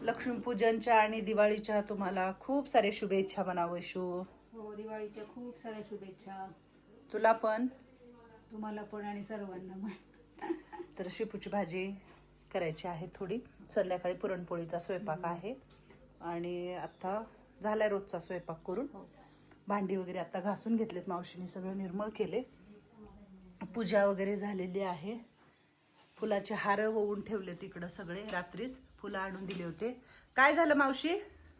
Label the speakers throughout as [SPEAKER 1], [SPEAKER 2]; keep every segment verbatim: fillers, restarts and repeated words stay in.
[SPEAKER 1] लक्ष्मीपूजनच्या आणि दिवाळीच्या तुम्हाला खूप सारे शुभेच्छा म्हणा वैशू.
[SPEAKER 2] हो, दिवाळीच्या खूप साऱ्या शुभेच्छा
[SPEAKER 1] तुला पण,
[SPEAKER 2] तुम्हाला पण आणि सर्वांना पण.
[SPEAKER 1] तर शेपूची भाजी करायची आहे थोडी. संध्याकाळी पुरणपोळीचा स्वयंपाक आहे आणि आता झालाय रोजचा स्वयंपाक करून. भांडी वगैरे आता घासून घेतलेत मावशीने, सगळं निर्मळ केले. पूजा वगैरे झालेली आहे. फुलाचे हार वळून ठेवले तिकडं सगळे. रात्रीच फुलं आणून दिले होते. काय झालं मावशी,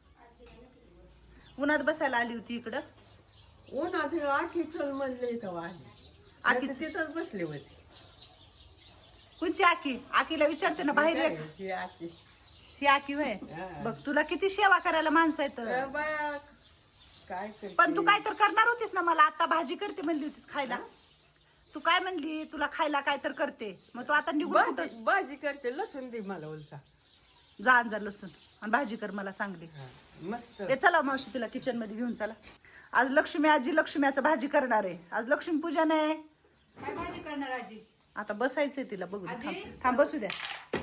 [SPEAKER 1] उन्हात बसायला आली होती इकडं?
[SPEAKER 3] उन्हात आखी चल म्हणले इथं आखी तिथंच बसले होते.
[SPEAKER 1] कोणची आकी? आकीला विचारते ना बाहेर ये.
[SPEAKER 3] ही आखी
[SPEAKER 1] ही आकी होय. बघ तुला किती सेवा करायला माणसं आहेत.
[SPEAKER 3] बाया काय करते?
[SPEAKER 1] पण तू काय तर करणार होतीस ना, मला आता भाजी करते म्हणली होतीस खायला. तू काय म्हणली तुला खायला काय तर करते, मग तू आता निघून कुठं?
[SPEAKER 3] भाजी भाजी करते, लसूण दे मला उलसा.
[SPEAKER 1] जा आण जा लसूण आणि भाजी कर मला चांगली.
[SPEAKER 3] मस्त.
[SPEAKER 1] हे चला मावशी तिला किचन मध्ये घेऊन चला. आज लक्ष्मी आजी लक्ष्म्याचं भाजी करणार आहे. आज लक्ष्मी पूजन आहे.
[SPEAKER 2] काय भाजी करणार आजी?
[SPEAKER 1] आता बसायचंय तिला, बघू दे.
[SPEAKER 2] आजी?
[SPEAKER 1] थांब थांब बसू द्या.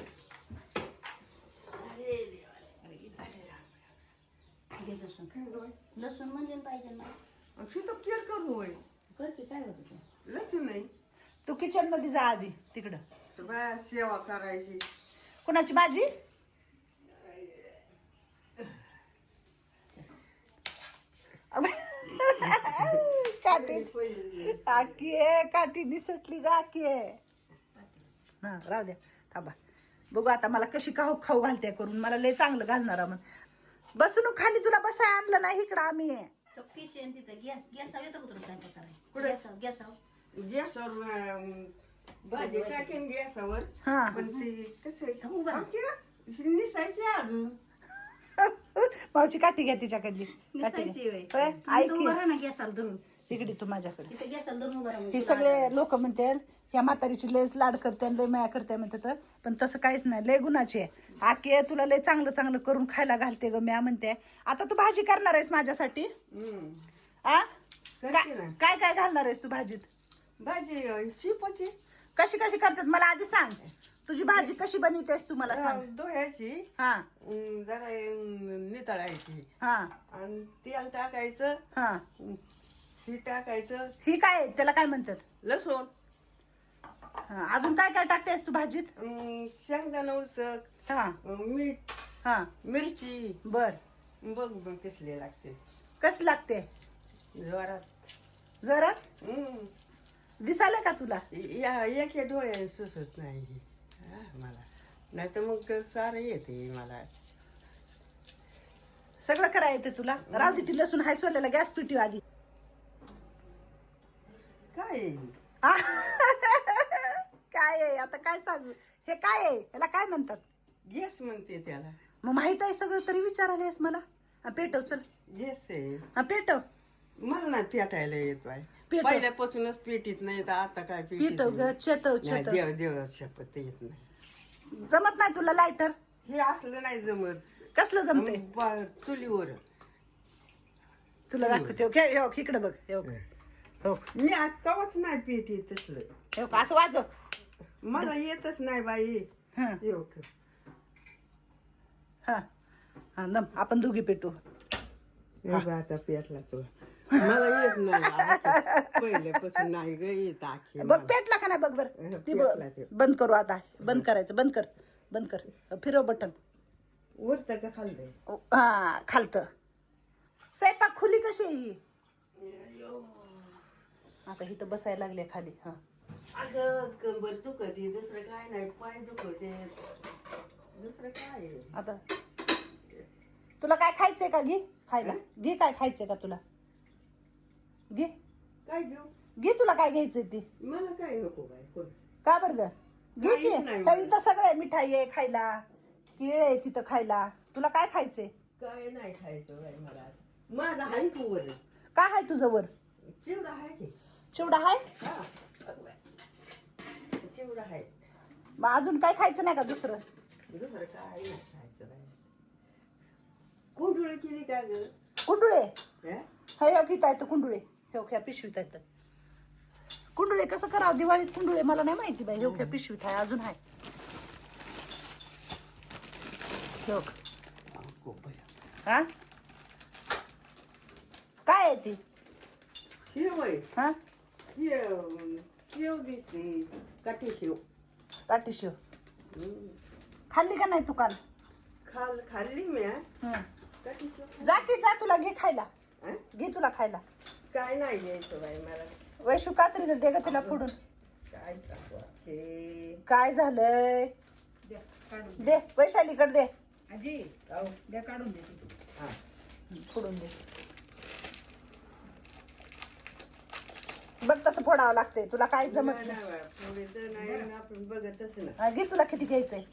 [SPEAKER 2] घे लसूण. लसूण म्हणजे पाहिजे ना.
[SPEAKER 3] तर केअर करू होय.
[SPEAKER 2] कर की, काय होतं ते?
[SPEAKER 3] लसूण नाही
[SPEAKER 1] तू किचन मध्ये जा आधी तिकडं.
[SPEAKER 3] तर बाया सेवा करायची.
[SPEAKER 1] कोणाची भाजी? काठी आकी आहे, काठी निसटली ग आकी आहे. हा राहू द्या, थांबा बघू आता मला कशी खाऊ खाऊ घालते करून. मला लय चांगलं घालणार मग. बसून खाली तुला बसाय आणलं नाही इकडं आम्ही.
[SPEAKER 2] तो किचन तिथं गॅस गॅसावर येतो का तुला स्वयंपाक करायला?
[SPEAKER 3] कुठे?
[SPEAKER 2] गॅसावर गॅसावर
[SPEAKER 3] गॅसवर अं, भाजी टाकेन गॅसवर.
[SPEAKER 1] हा.
[SPEAKER 3] पण ते कसं
[SPEAKER 2] उभा.
[SPEAKER 3] निसायचे अजून.
[SPEAKER 1] मावशी काठी घ्या तिच्याकडली. काठी
[SPEAKER 2] निसायची
[SPEAKER 1] घ्या.
[SPEAKER 2] होय.
[SPEAKER 1] होय,
[SPEAKER 2] तुम्ही
[SPEAKER 1] ऐक
[SPEAKER 2] तर
[SPEAKER 1] की.
[SPEAKER 2] उभा राहा ना गॅसाला धरून.
[SPEAKER 1] इकडे तू माझ्याकडे.
[SPEAKER 2] तिथं गॅसाला धरून उभा राहा मग
[SPEAKER 1] हे
[SPEAKER 2] तुला
[SPEAKER 1] सगळे लोक म्हणतात ह्या म्हातारीची लय लाड करते लय माया करते म्हणतात, पण तसं काहीच नाही. लय गुणाची आहे आके. तुला लय चांगलं चांगलं करून खायला घालते ग म्या म्हणते. आता तू भाजी करणार आहेस माझ्यासाठी?
[SPEAKER 3] हम्म.
[SPEAKER 1] आ
[SPEAKER 3] करते
[SPEAKER 1] काय
[SPEAKER 3] ना.
[SPEAKER 1] काय काय घालणार आहेस तू भाजीत?
[SPEAKER 3] भाजी अं, शिपाची
[SPEAKER 1] कशी कशी करतात मला आधी सांग. तुझी भाजी कशी बनवतेस तू मला सांग.
[SPEAKER 3] अं, धुयाची.
[SPEAKER 1] हा
[SPEAKER 3] अं, जरा अं, नितळायची
[SPEAKER 1] हा
[SPEAKER 3] आणि तेल टाकायचं.
[SPEAKER 1] हा.
[SPEAKER 3] ही टाकायचं.
[SPEAKER 1] ही काय त्याला काय म्हणतात?
[SPEAKER 3] लसूण.
[SPEAKER 1] हा, अजून काय काय टाकतेस तू भाजीत?
[SPEAKER 3] अं, शेंगदाणा उसक.
[SPEAKER 1] हा
[SPEAKER 3] अं, मीठ.
[SPEAKER 1] हा
[SPEAKER 3] मिरची.
[SPEAKER 1] बर.
[SPEAKER 3] बघ बघ कसली लागते.
[SPEAKER 1] कशी लागते?
[SPEAKER 3] जोरात.
[SPEAKER 1] जरा
[SPEAKER 3] हम्म.
[SPEAKER 1] दिसायला का तुला?
[SPEAKER 3] या एका डोळ्याने सुचत नाही हा, मला. नाही तर मग सारं येते मला.
[SPEAKER 1] सगळं करा येते तुला? राहू दे ती लसूण हाय सोल्याला गॅस पिटी आधी.
[SPEAKER 3] काय आहे?
[SPEAKER 1] आ? काय आहे आता काय सांगू? हे काय आहे? याला काय म्हणतात?
[SPEAKER 3] गॅस म्हणते त्याला.
[SPEAKER 1] मग माहित आहे सगळं तरी विचारायला मला. हा, पेटव चल.
[SPEAKER 3] गॅस आहे.
[SPEAKER 1] हा पेटव
[SPEAKER 3] मला नाही पेटायला येत बाय.
[SPEAKER 1] पेटव.
[SPEAKER 3] पहिल्यापासूनच पेटीत नाही तर आता काय पेटीत
[SPEAKER 1] पेटव ग
[SPEAKER 3] नाही.
[SPEAKER 1] चेतव
[SPEAKER 3] नाही,
[SPEAKER 1] चेतव.
[SPEAKER 3] देव देव शपथ येत नाही.
[SPEAKER 1] जमत नाही तुला लायटर?
[SPEAKER 3] हे असलं नाही जमत.
[SPEAKER 1] कसलं जमते?
[SPEAKER 3] मग बा- चुलीवर.
[SPEAKER 1] तुला दाखवते. ओके हो इकडे बघ. हो हो
[SPEAKER 3] मी आत्ताच नाही पेटी तसलं.
[SPEAKER 1] हो, असं वाजव.
[SPEAKER 3] मला येतच नाही बाई.
[SPEAKER 1] हा
[SPEAKER 3] येऊ का?
[SPEAKER 1] हा हा दम आपण दोघी पेटू.
[SPEAKER 3] हे बघ आता पेटला तो. मला येत नाही आता. पहिल्यापासून नाही ग येत आखी
[SPEAKER 1] बघ
[SPEAKER 3] मला.
[SPEAKER 1] पेटला का नाही बघ बर.
[SPEAKER 3] हा,
[SPEAKER 1] ती
[SPEAKER 3] पेटला
[SPEAKER 1] ब-
[SPEAKER 3] ते.
[SPEAKER 1] बंद करू आता. बंद करायचं. बंद कर बंद कर. फिरव बटन.
[SPEAKER 3] वरतं का खाल्लंय?
[SPEAKER 1] हा खालत. स्वयंपाक खुली कशी आहे ही? आता इथं बसायला लागले खाली. हा
[SPEAKER 3] अगं कंबर दुखते, दुसरं काय नाही. पाय दुखते, दुसरं काय आहे?
[SPEAKER 1] आता तुला काय खायचंय का? घे खायला. घे काय खायचंय का तुला? घे
[SPEAKER 3] काय घेऊ?
[SPEAKER 1] घे तुला काय घ्यायचंय ती.
[SPEAKER 3] मला काय नको बाय कोण.
[SPEAKER 1] का बरं ग? घे
[SPEAKER 3] काहीच
[SPEAKER 1] की.
[SPEAKER 3] नाही
[SPEAKER 1] तर
[SPEAKER 3] मला.
[SPEAKER 1] इथं सगळं आहे. मिठाई आहे खायला, केळ आहे तिथं खायला. तुला काय खायचंय?
[SPEAKER 3] काय नाही खायचं बाय मला. माझा हाय तू वर.
[SPEAKER 1] काय आहे तुझं वर?
[SPEAKER 3] चिवडा आहे की.
[SPEAKER 1] चिवडा आहे?
[SPEAKER 3] हा बघ बाय. चिवडा आहे.
[SPEAKER 1] मग अजून काय खायचं नाही का दुसरं?
[SPEAKER 3] दुसरं काय नाही खायचं बाय. कोंडुळे केली का ग?
[SPEAKER 1] कुंडुळे
[SPEAKER 3] हा?
[SPEAKER 1] हे हो किती आहेत कुंडुळे? हे ह्या पिशवीत आहेत. कुंडुळे कसं करावं दिवाळीत? कुंडुळे मला नाही माहिती बाई. हे ह्या पिशवीत आहे. अजून आहे. हे बघ.
[SPEAKER 3] स्कोप आहे.
[SPEAKER 1] हा काय आहे ती
[SPEAKER 3] शेव आहे.
[SPEAKER 1] हा
[SPEAKER 3] शेव शेव दिसते काठी शेव.
[SPEAKER 1] काठी शेव
[SPEAKER 3] हम्म.
[SPEAKER 1] खाल्ली का नाही तू काल?
[SPEAKER 3] खाल खाल्ली मी हा.
[SPEAKER 1] हं.
[SPEAKER 3] काठी शेव
[SPEAKER 1] जा की जा, तुला घे खायला,
[SPEAKER 3] हा?
[SPEAKER 1] घे तुला खायला.
[SPEAKER 3] काय नाही घ्यायचं बाई मला.
[SPEAKER 1] वैशू कात्रीने दे ग तिला फोडून.
[SPEAKER 3] काय सांगू हे.
[SPEAKER 1] काय झालंय
[SPEAKER 2] द्या, काढून
[SPEAKER 1] दे, वैशालीकडे दे,
[SPEAKER 2] आजी
[SPEAKER 3] अहो,
[SPEAKER 2] द्या काढून देते.
[SPEAKER 3] हा.
[SPEAKER 1] फोडून दे. बघ तसं फोडावं लागतंय, तुला काय जमत
[SPEAKER 3] नाही,
[SPEAKER 1] नाही.
[SPEAKER 3] नाही बाई, थोडीचं नाही ना, आपण बघतच ना.
[SPEAKER 1] हा, घे तुला किती घ्यायचंय.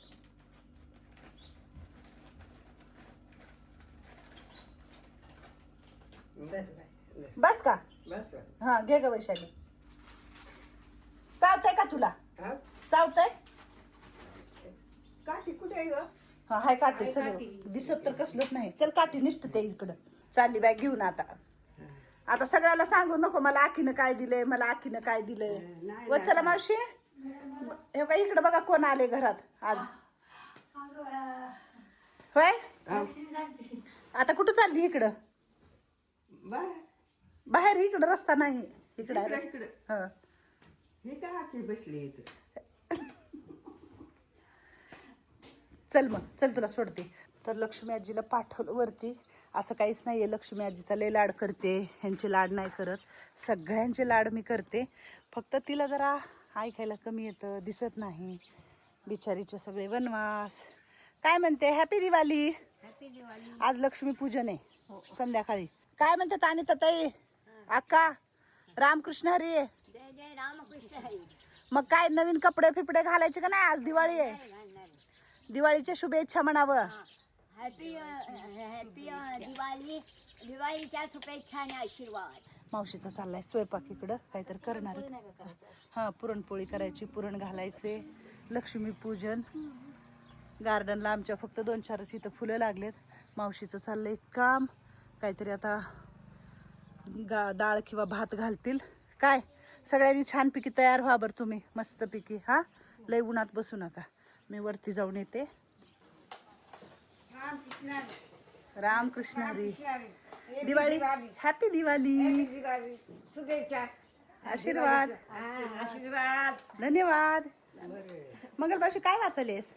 [SPEAKER 3] बस बाई, बस.
[SPEAKER 1] बस का?
[SPEAKER 3] बस बाई.
[SPEAKER 1] हा घे ग वैशाली. चावतंय का तुला?
[SPEAKER 3] हा?
[SPEAKER 1] चावतंय?
[SPEAKER 3] काठी कुठे आहे ग?
[SPEAKER 1] हा हाय काठी.
[SPEAKER 2] हाय
[SPEAKER 1] चल
[SPEAKER 2] काठी.
[SPEAKER 1] दिसत तर कसलंच नाही. चल काठी निष्ठ ते इकडं. चालली बॅग घेऊन आता. आता सगळ्याला सांगू नको मला आखीनं काय दिलंय, मला आखीनं काय दिलंय.
[SPEAKER 3] नाही,
[SPEAKER 1] व चला मावशी, हे का इकडं बघा कोण आले घरात आज. होय
[SPEAKER 3] अहो,
[SPEAKER 1] आता कुठं चालली? इकडं
[SPEAKER 3] बाय.
[SPEAKER 1] बाहेर, इकडं रस्ता नाही. इकडं आहे
[SPEAKER 3] इकडं,
[SPEAKER 1] रस्ता.
[SPEAKER 3] इकडं.
[SPEAKER 1] हा
[SPEAKER 3] हे काय आखी बसली इथं?
[SPEAKER 1] चल मग, चल तुला सोडते. तर लक्ष्मी आजीला पाठवलं वरती. असं काहीच नाही आहे, लक्ष्मी आजीचा लय लाड करते, ह्यांचे लाड नाही करत. सगळ्यांचे लाड मी करते, फक्त तिला जरा ऐकायला कमी येतं, दिसत नाही. बिचारीचे सगळे वनवास. काय म्हणते? हॅपी दिवाळी.
[SPEAKER 2] हॅपी दिवाळी.
[SPEAKER 1] आज लक्ष्मी पूजन आहे संध्याकाळी. काय म्हणते तानी ताई अक्का? रामकृष्ण हरी.
[SPEAKER 2] जय जय रामकृष्ण हरी.
[SPEAKER 1] मग काय नवीन कपडे फिपडे घालायचे का नाही? आज दिवाळी आहे, दिवाळीच्या शुभेच्छा म्हणावं.
[SPEAKER 2] Happy happy Diwali. दिवाळीच्या शुभेच्छा आणि आशीर्वाद.
[SPEAKER 1] मावशीचा चाललाय स्वयंपाक, इकडं काहीतरी करणार आहे. हा पुरणपोळी करायची, पुरण घालायचे, लक्ष्मी पूजन. गार्डनला आमच्या फक्त दोन चारच इथं फुलं लागलेत. मावशीचं चाललंय काम, काहीतरी आता गा डाळ किंवा भात घालतील. काय सगळ्यांनी छानपैकी तयार व्हा बरं तुम्ही, मस्तपैकी. हा लय उन्हात बसू नका. मी वरती जाऊन येते. रामकृष्ण हरी. दिवाळी, हॅपी दिवाळी.
[SPEAKER 2] शुभेच्छा,
[SPEAKER 1] आशीर्वाद,
[SPEAKER 2] आशीर्वाद.
[SPEAKER 1] धन्यवाद. मंगलबाशी काय वाचलेस?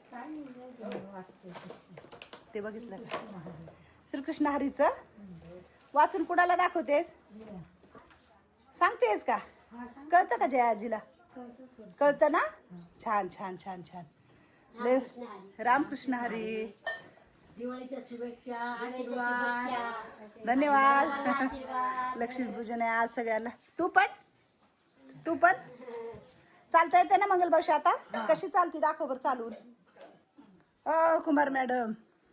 [SPEAKER 1] ते बघितलं का? श्रीकृष्ण हरीचं वाचून कुणाला दाखवतेस? सांगतेस का? कळतं का जया आजीला? कळतं ना? छान छान छान छान. लय रामकृष्ण हरी.
[SPEAKER 2] दिवाळीच्या शुभेच्छा, आशीर्वाद.
[SPEAKER 1] धन्यवाद. लक्ष्मीपूजन आहे आज सगळ्यांना. तू पण तू पण चालता येते ना मंगलबावशी? आता कशी चालती दाखव बरं चालून. अ कुमार मॅडम,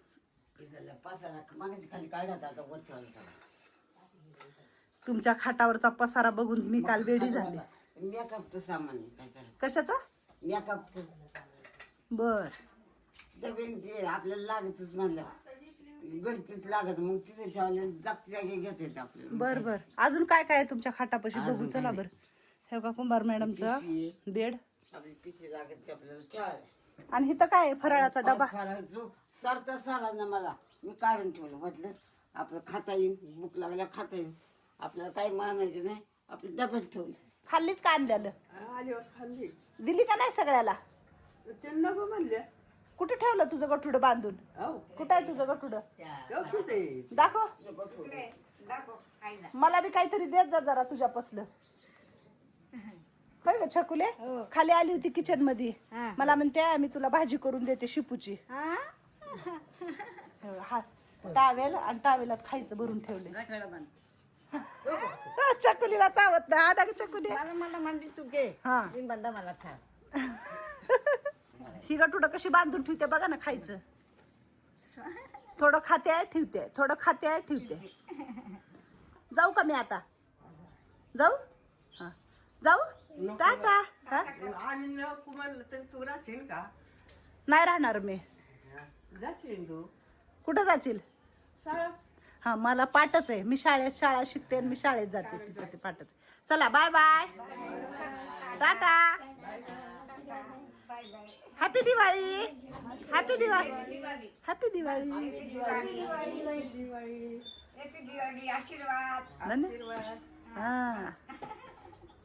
[SPEAKER 1] तुमच्या खाटावरचा पसारा बघून मी काल वेडी झाले.
[SPEAKER 3] मेकअपचं सामान आहे, काय करायचं?
[SPEAKER 1] कशाचा?
[SPEAKER 3] मेकअपचं
[SPEAKER 1] बर.
[SPEAKER 3] डबेन ते आपल्याला लागतच म्हणलं, गडकीत लागत, मग तिथे ठेवले जागती जागे घेत येते आपल्याला.
[SPEAKER 1] बर बर. अजून काय काय आहे तुमच्या खाटापाशी बघू चला बर. हे का कुंभार मॅडमचा बेड,
[SPEAKER 3] आपली पिशी लागत ते आपल्याला ठेवायला.
[SPEAKER 1] आणि इथं काय आहे? फराळाचा डबा.
[SPEAKER 3] जो सरता सारा ना मला मी काढून ठेवलं, म्हटलं आपलं खाता येईल, भूक लागल्या खाता येईल, आपल्याला काही मानायचं नाही, आपल्या डब्यात ठेवलं.
[SPEAKER 1] खाल्लीच का आणलेलं?
[SPEAKER 3] आल्यावर खाल्ली.
[SPEAKER 1] दिली का नाही सगळ्याला?
[SPEAKER 3] त्यांना पण म्हणल्या.
[SPEAKER 1] कुठे ठेवलं तुझं गठुड बांधून?
[SPEAKER 3] हो
[SPEAKER 1] कुठं आहे तुझं गठुड?
[SPEAKER 3] कुठे
[SPEAKER 1] दाखव. मला बी काहीतरी देत जा जरा तुझ्यापासलं. होय ग छकुले? खाली आली होती किचन मध्ये, मला म्हणते मी तुला भाजी करून देते शिपूची. हा टावेल आणि टावेलात खायचं भरून ठेवले. चकुलीला चावत नाही. हा ना चकुली.
[SPEAKER 2] मला म्हणते तू घे,
[SPEAKER 1] हा
[SPEAKER 2] मी बंदा मला खा.
[SPEAKER 1] ही गटुडं कशी बांधून ठेवते बघा ना. खायचं थोडं खाते आहे ठेवते, थोडं खाते आहे ठेवते. जाऊ का मी आता? जाऊ? हा जाऊ. टाटा. हा
[SPEAKER 3] आणि नको म्हणलं तर तू राहशील का?
[SPEAKER 1] नाही राहणार मी.
[SPEAKER 3] जाशील तू
[SPEAKER 1] कुठं जाशील?
[SPEAKER 3] शाळा.
[SPEAKER 1] हा मला पाठच आहे. मी शाळेत शाळा शिकते आणि मी शाळेत जाते. तिचं ते पाठच. चला bye bye. Tata. Happy Diwali happy Diwali happy Diwali
[SPEAKER 3] Diwali आशीर्वाद
[SPEAKER 1] धन्यवाद. हा